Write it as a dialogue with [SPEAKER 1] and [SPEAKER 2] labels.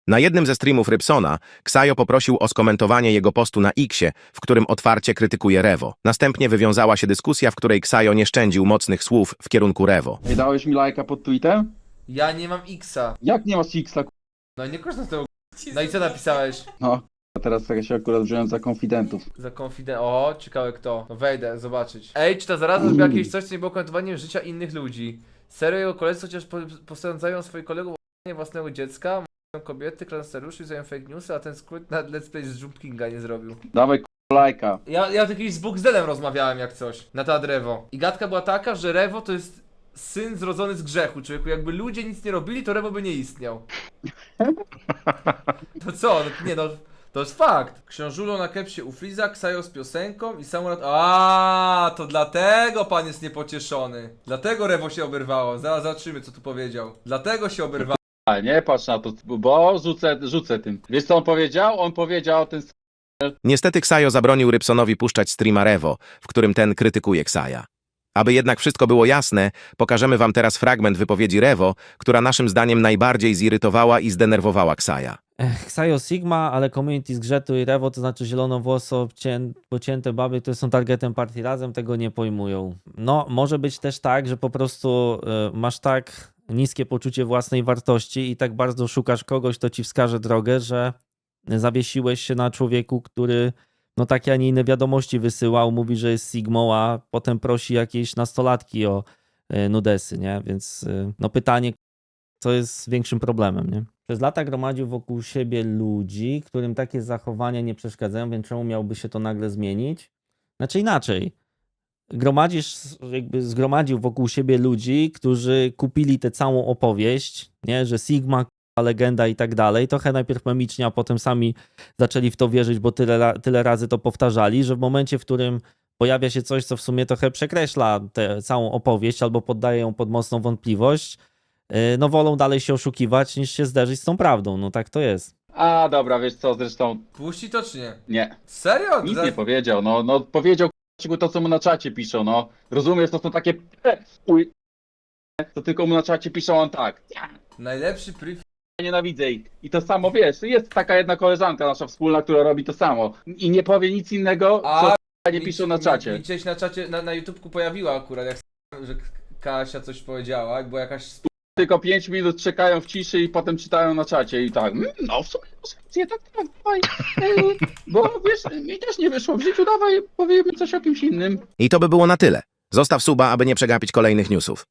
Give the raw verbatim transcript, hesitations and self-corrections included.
[SPEAKER 1] Na jednym ze streamów Rybsona Ksajo poprosił o skomentowanie jego postu na Xie, w którym otwarcie krytykuje Revo. Następnie wywiązała się dyskusja, w której Ksajo nie szczędził mocnych słów w kierunku Revo.
[SPEAKER 2] Ej, dałeś mi lajka pod tweetem?
[SPEAKER 3] Ja nie mam Xa.
[SPEAKER 2] Jak nie masz X-a, k***?
[SPEAKER 3] No i nie korzystam z tego. No i co napisałeś?
[SPEAKER 2] No, a teraz ja się akurat wziąłem za konfidentów.
[SPEAKER 3] Za konfident. O, ciekawe kto. No wejdę, zobaczyć. Ej, czy ta zaraza zrobiła jakieś coś, co nie było komentowaniem życia innych ludzi? Serio, jego koledzy chociaż po, posądzają swoich kolegów o własnego dziecka, mają kobiety, klanseriuszy, zają fake newsy, a ten skrót na Let's Play z Jump Kinga nie zrobił.
[SPEAKER 2] Dawaj k***a lajka.
[SPEAKER 3] Ja, ja kiedyś z Buxdelem rozmawiałem jak coś, na temat Revo. I gadka była taka, że Revo to jest syn zrodzony z grzechu, człowieku. Jakby ludzie nic nie robili, to Revo by nie istniał. To co? No, nie no, to jest fakt. Książulo na kepsie u Freeza, Ksajo z piosenką i Samurat... A, to dlatego pan jest niepocieszony. Dlatego Revo się oberwało. Zaraz zobaczymy, co tu powiedział. Dlatego się oberwało.
[SPEAKER 2] A nie patrz na to, bo rzucę, rzucę tym. Wiesz co on powiedział? On powiedział ten...
[SPEAKER 1] Niestety Ksajo zabronił Rybsonowi puszczać streama Revo, w którym ten krytykuje Ksaja. Aby jednak wszystko było jasne, pokażemy wam teraz fragment wypowiedzi Revo, która naszym zdaniem najbardziej zirytowała i zdenerwowała Ksaja.
[SPEAKER 4] Ksajo Sigma, ale community z Grzetu i Revo, to znaczy zielonowłoso, cię, pocięte baby, które są targetem partii razem, tego nie pojmują. No, może być też tak, że po prostu y, masz tak niskie poczucie własnej wartości i tak bardzo szukasz kogoś, kto ci wskaże drogę, że zawiesiłeś się na człowieku, który no takie, a nie inne wiadomości wysyłał, mówi, że jest Sigmą, a potem prosi jakieś nastolatki o y, nudesy, nie? Więc y, no pytanie, co jest większym problemem, nie? Przez lata gromadził wokół siebie ludzi, którym takie zachowania nie przeszkadzają, więc czemu miałby się to nagle zmienić? Znaczy inaczej. Gromadzisz, jakby zgromadził wokół siebie ludzi, którzy kupili tę całą opowieść, nie? Że Sigma, legenda i tak dalej. Trochę najpierw memicznie, a potem sami zaczęli w to wierzyć, bo tyle, tyle razy to powtarzali, że w momencie, w którym pojawia się coś, co w sumie trochę przekreśla tę całą opowieść albo poddaje ją pod mocną wątpliwość, no wolą dalej się oszukiwać, niż się zderzyć z tą prawdą. No tak to jest.
[SPEAKER 2] A dobra, wiesz co, zresztą
[SPEAKER 3] Puści to czy nie?
[SPEAKER 2] nie.
[SPEAKER 3] Serio?
[SPEAKER 2] Nic
[SPEAKER 3] Za-
[SPEAKER 2] nie powiedział, no, no powiedział k***a, to co mu na czacie piszą, no. Rozumiesz, to są takie p- uj, to tylko mu na czacie piszą on tak. Ja
[SPEAKER 3] Najlepszy priv...
[SPEAKER 2] nienawidzę ich. I to samo, wiesz, jest taka jedna koleżanka nasza wspólna, która robi to samo. I nie powie nic innego, co
[SPEAKER 3] A,
[SPEAKER 2] k***a, nie
[SPEAKER 3] mi-
[SPEAKER 2] piszą na
[SPEAKER 3] mi-
[SPEAKER 2] czacie.
[SPEAKER 3] Mi gdzieś na czacie, na, na YouTubeku pojawiła akurat, jak s- że K- Kasia coś powiedziała, bo jakaś... sp-
[SPEAKER 2] Tylko pięć minut czekają w ciszy i potem czytają na czacie i tak, "Mm, no w sumie masz rację, tak, tak, dawaj, Ej, bo wiesz, mi też nie wyszło w życiu, dawaj, powiemy coś o kimś innym.
[SPEAKER 1] I to by było na tyle. Zostaw suba, aby nie przegapić kolejnych newsów.